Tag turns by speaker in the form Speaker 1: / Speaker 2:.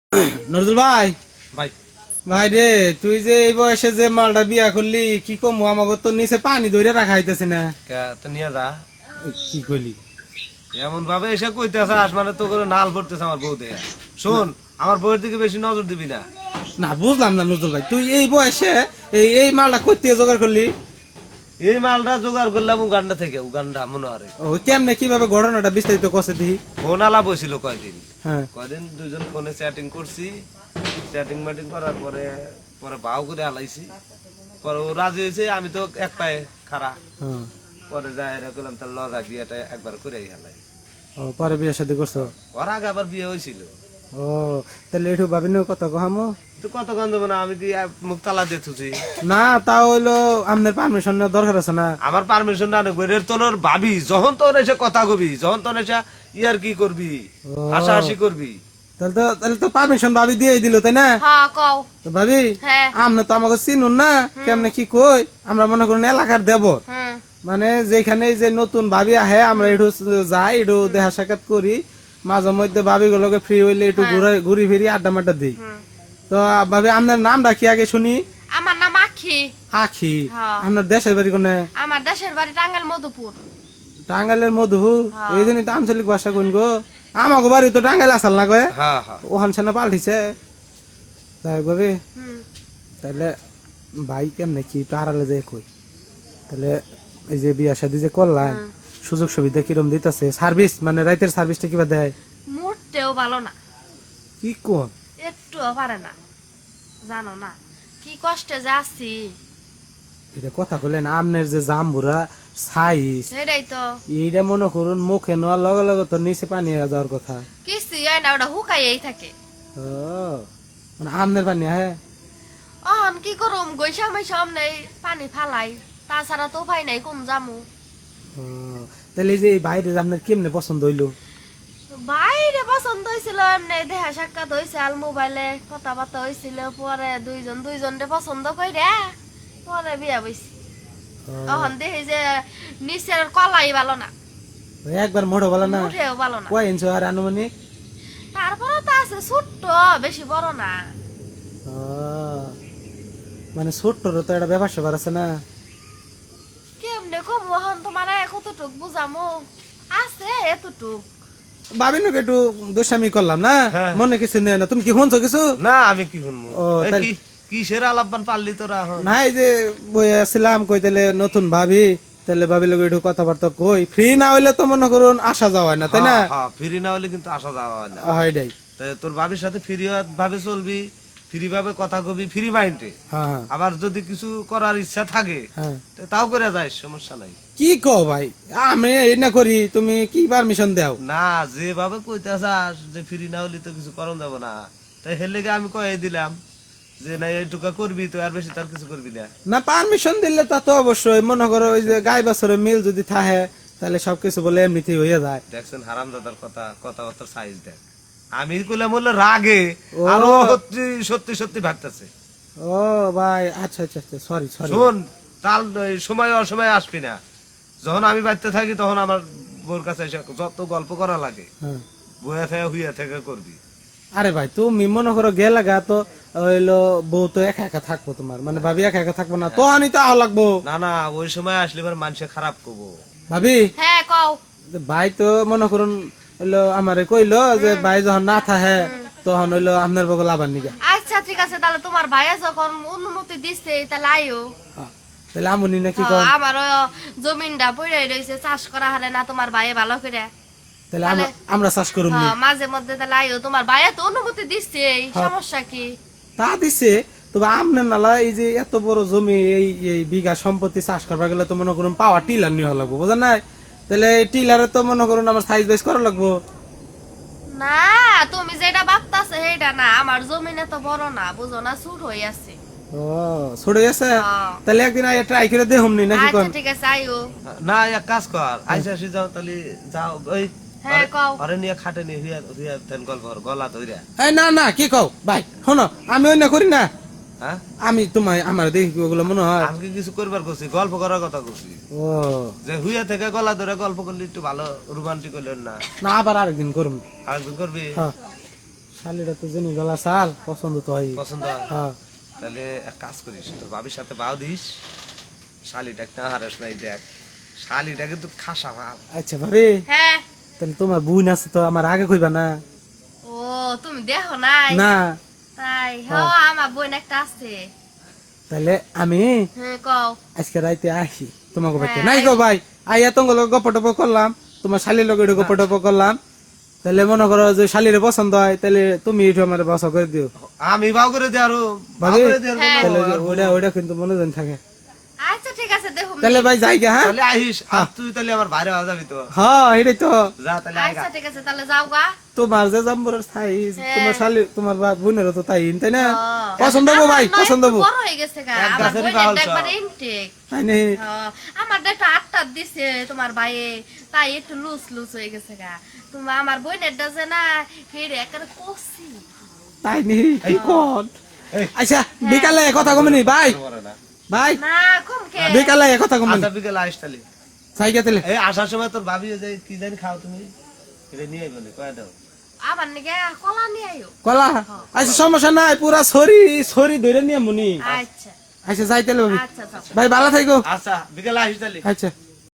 Speaker 1: নজরুল ভাই,
Speaker 2: ভাই
Speaker 1: ভাই রে, তুই যে এই বয়সে যে মালটা বিয়া করলি, কি কমু, আমাকে তো নিচে পানি ধরে রাখা হইতেছে না।
Speaker 2: তো নিয়ে যা।
Speaker 1: কি করলি?
Speaker 2: এমন ভাবে এসে কইতেছে আসমানে তো করে নাল পড়তেছে আমার বউ দেয়া। শোন, আমার বউয়ের দিকে বেশি নজর দিবি না।
Speaker 1: না, বুঝলাম না নজরুল ভাই, তুই এই বয়সে এই মালটা করতে জোগাড় করলি?
Speaker 2: এই মালটা জোগাড় করলাম উগান্ডা থেকে, উগান্ডা মনোহারে।
Speaker 1: ও কেমনে, কিভাবে, ঘটনাটা বিস্তারিত কষে দিই।
Speaker 2: ফোন আলাপ হয়েছিল কয়দিন।
Speaker 1: হ্যাঁ।
Speaker 2: কয়দিন দুজন ফোনে চ্যাটিং করছি, চ্যাটিং ম্যাটিং করার পরে পরে ভাও করে আলাইছি। পরে ও রাজি হয়েছে, আমি তো এক পায়ে খাড়া।
Speaker 1: হ্যাঁ।
Speaker 2: পরে যাই এরা করলাম তার লজা বিয়েটা একবার করে হালাই।
Speaker 1: ও, পরে বিয়ে শাদী করছো?
Speaker 2: ওর আগে আবার বিয়ে হয়েছিল।
Speaker 1: ও, তাহলে একটু ভাবি নিও কত কহামো।
Speaker 2: তো কত গন্ধ না, আমি কি মুখ তালা দিয়ে থুছি?
Speaker 1: না, তা হইলো আপনার পারমিশন নেওয়ার দরকার আছে না?
Speaker 2: আমার পারমিশন না নেব, এর তোর ভাবি যখন তোর এসে কথা কবি, যখন তোর এসে ইয়ার কি করবি, হাসাহাসি করবি।
Speaker 1: তাহলে তো পারমিশন ভাবি দিয়ে দিল, তাই না?
Speaker 3: হ্যাঁ কও।
Speaker 1: তো ভাবি,
Speaker 3: হ্যাঁ।
Speaker 1: আপনি তো আমাকে চিনুন না, কেমনে কি কই, আমরা মনে করুন এলাকার দেবর,
Speaker 3: হুম
Speaker 1: মানে যেখানে যে নতুন ভাবি আহে আমরা একটু যাই, একটু দেখা সাক্ষাৎ করি, মাঝে মধ্যে ভাবি গুলোকে ফ্রি হইলে একটু ঘুরি ফিরি আড্ডা মাড্ডা দিই। তো ভাবি, আপনার নাম ডাকি আগে শুনি।
Speaker 3: আমার নাম আখি।
Speaker 1: আখি?
Speaker 3: হ্যাঁ।
Speaker 1: আপনার দেশের বাড়ি কোনে?
Speaker 3: আমার দেশের বাড়ি টাঙ্গাইল মধুপুর।
Speaker 1: টাঙ্গাইলের মধু?
Speaker 3: হ্যাঁ।
Speaker 1: এই জন্যই তো আঞ্চলিক ভাষা কোন গো। আমাকে বাড়ি তো টাঙ্গাইল আসাল না কয়ে,
Speaker 2: হ্যাঁ হ্যাঁ।
Speaker 1: ওখান সেনা পাল্টিছে। তাই ভাবি,
Speaker 3: হুম।
Speaker 1: তাহলে ভাই কেমনে কি পাহারালে যে কই, তাহলে এই যে বিয়া শাদী যে করলাম, সুযোগ সুবিধা কিরম দিতেছে, সার্ভিস মানে রাইতের সার্ভিসটা কিবা দেয়?
Speaker 3: মোটেও ভালো না,
Speaker 1: কি কোন?
Speaker 3: একটুও পারে না, জানো না কি কষ্টে যাচ্ছি।
Speaker 1: এটা কথা বললেন, আমনের যে জাম্বুরা সাইজ,
Speaker 3: সেটাই তো।
Speaker 1: এইটা মনে করুন মুখে নেওয়ার লগে লগে তো নিচে পানি হয়ে যাওয়ার কথা।
Speaker 3: কিস্তি হয় না, ওটা হুকাইয়েই থাকে।
Speaker 1: ও, মানে আমনের পানি হ্যাঁ।
Speaker 3: অহন কি করুম, গৈসামাই সামনে পানি ফালাই, তাছাড়া তো উপায় নাই, কোন জামু।
Speaker 1: ও, তাহলে এই যে এই বাইরে যে আপনার কেমনে পছন্দ হইলো?
Speaker 3: বাইরে পছন্দ হয়েছিল, এমনি দেখা সাক্ষাৎ হয়েছে, আল মোবাইলে কথাবার্তা হয়েছিল, পরে দুইজনরে পছন্দ কইরা পরে বিয়া বইছি।
Speaker 1: ও,
Speaker 3: তখন দেখি যে নিচের কলাই ভালো না,
Speaker 1: একবার মোড়ো বলা না?
Speaker 3: উঠেও ভালো না।
Speaker 1: কয় ইঞ্চ আর আনুমানিক?
Speaker 3: তারপরে তো আছে ছোট্ট, বেশি বড় না।
Speaker 1: ও, মানে ছোট্টর তো একটা ব্যাপার স্যাপার আছে না?
Speaker 3: কেমনে কম এখন তোমার কতটুক বুঝামো, আছে এতটুক।
Speaker 1: ভাবি নাকি একটু দুষ্টামি করলাম না,
Speaker 2: হ্যাঁ।
Speaker 1: মনে কিছু নেই না, তুমি কি শুনছো কিছু?
Speaker 2: না আমি কি শুনবো?
Speaker 1: ও,
Speaker 2: এই
Speaker 1: তাই-
Speaker 2: কি কিসের আলাপবান পারলি তোরা এখন?
Speaker 1: না, এই যে বই আসছিলাম, কই তাহলে নতুন ভাবি, তাহলে ভাবি লোক একটু কথাবার্তা কই, ফ্রি না হইলে তো মনে করুন আসা যাওয়া হয় না, তাই না?
Speaker 2: হ্যাঁ, হ্যাঁ, ফ্রি না হলে কিন্তু আসা যাওয়া হয় না।
Speaker 1: হয়টাই।
Speaker 2: তাই তোর ভাবির সাথে ফ্রি ভাবে চলবি, ফ্রি ভাবে কথা কবি, ফ্রি মাইন্ডে।
Speaker 1: হ্যাঁ হ্যাঁ
Speaker 2: আবার যদি কিছু করার ইচ্ছা থাকে
Speaker 1: হ্যাঁ।
Speaker 2: তো তাও করে যাই, সমস্যা নাই।
Speaker 1: কি কও ভাই, আমি এই না করি, তুমি কি পারমিশন দাও?
Speaker 2: না, যেভাবে কইতে চাস যে ফ্রি না হলে তো কিছু করণ যাব না, তাই হেলে আমি কয়ে দিলাম যে না এইটুকা করবি তো, আর বেশি তার কিছু করবি না।
Speaker 1: না, পারমিশন দিলে তা তো অবশ্যই, মনে করো ওই যে গাই বাছরের মিল যদি থাকে, তাহলে সবকিছু বলে এমনিতেই হয়ে যায়।
Speaker 2: দেখছেন হারাম দাদার কথাবার্তার সাইজ দেখ। আমি কইলাম বললে রাগে
Speaker 1: ও।
Speaker 2: আরো সত্যি সত্যি ভাবতেছে।
Speaker 1: ও ভাই, আচ্ছা আচ্ছা আচ্ছা, সরি সরি।
Speaker 2: শোন, তাল সময় অসময় আসবি না। যখন আমি বাড়িতে থাকি তখন আমার বোর কাছে এসে যত গল্প করা লাগে
Speaker 1: হ্যাঁ।
Speaker 2: বইয়া থেকে হুইয়া থেকে করবি।
Speaker 1: আরে ভাই, তুমি মনে করো গেলা গা তো হইলো, বউ তো একা একা থাকবো, তোমার মানে ভাবি একা একা থাকবো না তো, আনি তো আহ লাগবো।
Speaker 2: না না, ওই সময় আসলে এবার মানুষে খারাপ করবো।
Speaker 1: ভাবি,
Speaker 3: হ্যাঁ কও।
Speaker 1: ভাই তো মনে করুন হইলো আমারে কইলো যে ভাই যখন না থাকে তখন হইলো আপনার বগল আবার নিগা।
Speaker 3: আচ্ছা ঠিক আছে, তাহলে তোমার ভাইয়া যখন অনুমতি দিচ্ছে তাহলে আইও।
Speaker 1: তাহলে আমুনি নাকি কম?
Speaker 3: আমারও জমিনটা পড়ে রয়েছে, চাষ করা হারে না তোমার ভাইয়ে ভালো করে।
Speaker 1: তাহলে আমরা চাষ করুম নি?
Speaker 3: মাঝে মধ্যে তাহলে আইও, তোমার ভাইয়া তো অনুমতি দিচ্ছে, সমস্যা কি?
Speaker 1: তা দিছে, তবে আমনের নালা এই যে এত বড় জমি, এই বিঘা সম্পত্তি চাষ করবার গেলে তো মনে করুন পাওয়ার টিলার নিয়ে লাগবো, বুঝেন নাই? তাহলে টিলারে তো মনে করুন আমার সাইজ বাইজ করা লাগবো।
Speaker 3: না, তুমি যেটা ভাবতাছো সেটা না, আমার জমিনে তো বড় না, বুঝো না, ছোট হয়ে আছে।
Speaker 1: ও, ছড়ে গেছে?
Speaker 3: হ্যাঁ।
Speaker 1: তাহলে একদিন আইয়া ট্রাই করে দেখুন নি নাকি
Speaker 3: আচ্ছা
Speaker 1: কোন?
Speaker 3: ঠিক আছে, আইও।
Speaker 2: না, এক কাজ কর, আইসা আসি যাও তাহলে, যাও ওই
Speaker 3: হ্যাঁ কও।
Speaker 2: ঘরে নিয়ে খাটে নিয়ে হুইয়া হুইয়া তেন গল্প কর, গলা ধইরা।
Speaker 1: এই না না, কি কও ভাই, শোনো, আমি ওই না করি না,
Speaker 2: হ্যাঁ,
Speaker 1: আমি তোমায় আমার দেখি ওগুলো মনে হয়।
Speaker 2: আমি কি কিছু করবার করছি? গল্প করার কথা করছি।
Speaker 1: ও
Speaker 2: যে হুইয়া থেকে গলা ধরে গল্প করলে একটু ভালো রোমান্টিক হইলেন না?
Speaker 1: না, আবার আরেকদিন করুন।
Speaker 2: আরেকদিন করবি?
Speaker 1: হ্যাঁ। শালিরা তো জেনে গলা চাল পছন্দ তো হয়।
Speaker 2: পছন্দ হয়?
Speaker 1: হ্যাঁ
Speaker 2: তাহলে এক কাজ করিস, তোর ভাবির সাথে বাও দিস, শালিটা একটা হারাস নাই, দেখ শালিটা কিন্তু খাসা ভাব।
Speaker 1: আচ্ছা ভাবি,
Speaker 3: হ্যাঁ
Speaker 1: তাহলে তোমার বোন আছে তো আমার আগে কইবা না?
Speaker 3: ও তুমি দেখো নাই
Speaker 1: না
Speaker 3: তাই
Speaker 1: হ্যাঁ।
Speaker 3: আমার বোন একটা আছে।
Speaker 1: তাহলে আমি
Speaker 3: হ্যাঁ কও
Speaker 1: আজকে রাইতে আসি তোমাকে বাড়িতে।
Speaker 3: হ্যাঁ,
Speaker 1: নাই গো ভাই, আইয়া তোমার লগে গপ্প টপ্প করলাম, তোমার শালির লগে একটু গপ্প টপ্প করলাম। তাহলে মনে করো যে শালিরে পছন্দ হয়, তাহলে তুমি একটু আমার বসা করে দিও।
Speaker 2: আমি বাও করে দে, আরো বাও
Speaker 1: ভাবি,
Speaker 2: করে দে, আর
Speaker 3: হ্যাঁ।
Speaker 2: বলো,
Speaker 1: তাহলে
Speaker 2: আর বলো।
Speaker 1: ওইটা ওইটা কিন্তু মনোজন থাকে।
Speaker 3: আচ্ছা ঠিক আছে দেখো
Speaker 1: তাহলে ভাই যাই গে, হ্যাঁ
Speaker 2: তাহলে আহিস, আর তুই তাহলে আমার বাইরে হওয়া যাবি তো,
Speaker 1: হ্যাঁ এটাই তো।
Speaker 2: যা তাহলে আইগা।
Speaker 3: আচ্ছা ঠিক আছে তাহলে যাও গা।
Speaker 1: তোমার যে জাম্বরের সাইজ,
Speaker 3: হ্যাঁ।
Speaker 1: তোমার শালি তোমার বোনেরও তো তাই, তাই না?
Speaker 3: হ্যাঁ।
Speaker 1: পছন্দ হবো ভাই,
Speaker 3: আমার নয়
Speaker 1: পছন্দ
Speaker 3: একটু
Speaker 1: হবো,
Speaker 3: বড় হয়ে গেছে গা,
Speaker 2: এক
Speaker 3: আমার
Speaker 2: গাছেরই
Speaker 3: বোনের
Speaker 2: বাউল
Speaker 3: একবার
Speaker 2: সব।
Speaker 3: ইনটেক।
Speaker 1: তাই নেই?
Speaker 3: আমার একটা আটটা দিছে তোমার ভাইয়ে, তাই একটু লুজ লুজ হয়ে গেছে গা। তুমি আমার বোনের ডাজে না হেরে একেবারে কষি।
Speaker 1: তাই নেই, কি কর?
Speaker 2: এই।
Speaker 1: আচ্ছা বিকালে কথা কমনি ভাই,
Speaker 2: করে না।
Speaker 1: ভাই
Speaker 3: না কমকে
Speaker 1: বিকালে কথা কমনি,
Speaker 2: আচ্ছা বিকেলে আইস তাহলে।
Speaker 1: সাইকে তাহলে।
Speaker 2: এই আসার সময় তোর ভাবি যে কি জানি খাও তুমি, এটা নিয়ে আইবো নি, কয়ে দাও।
Speaker 3: আমার নাকি কলা নিয়ে আইও।
Speaker 1: কলা? আচ্ছা সমস্যা নাই, পুরা ছড়ি ছড়ি ধরে নিয়ে মুনি।
Speaker 3: আচ্ছা
Speaker 1: আচ্ছা যাই তাহলে ভাবি।
Speaker 3: আচ্ছা আচ্ছা
Speaker 1: ভাই ভালো থাকো।
Speaker 2: আচ্ছা বিকেলে আইস তাহলে।
Speaker 1: আচ্ছা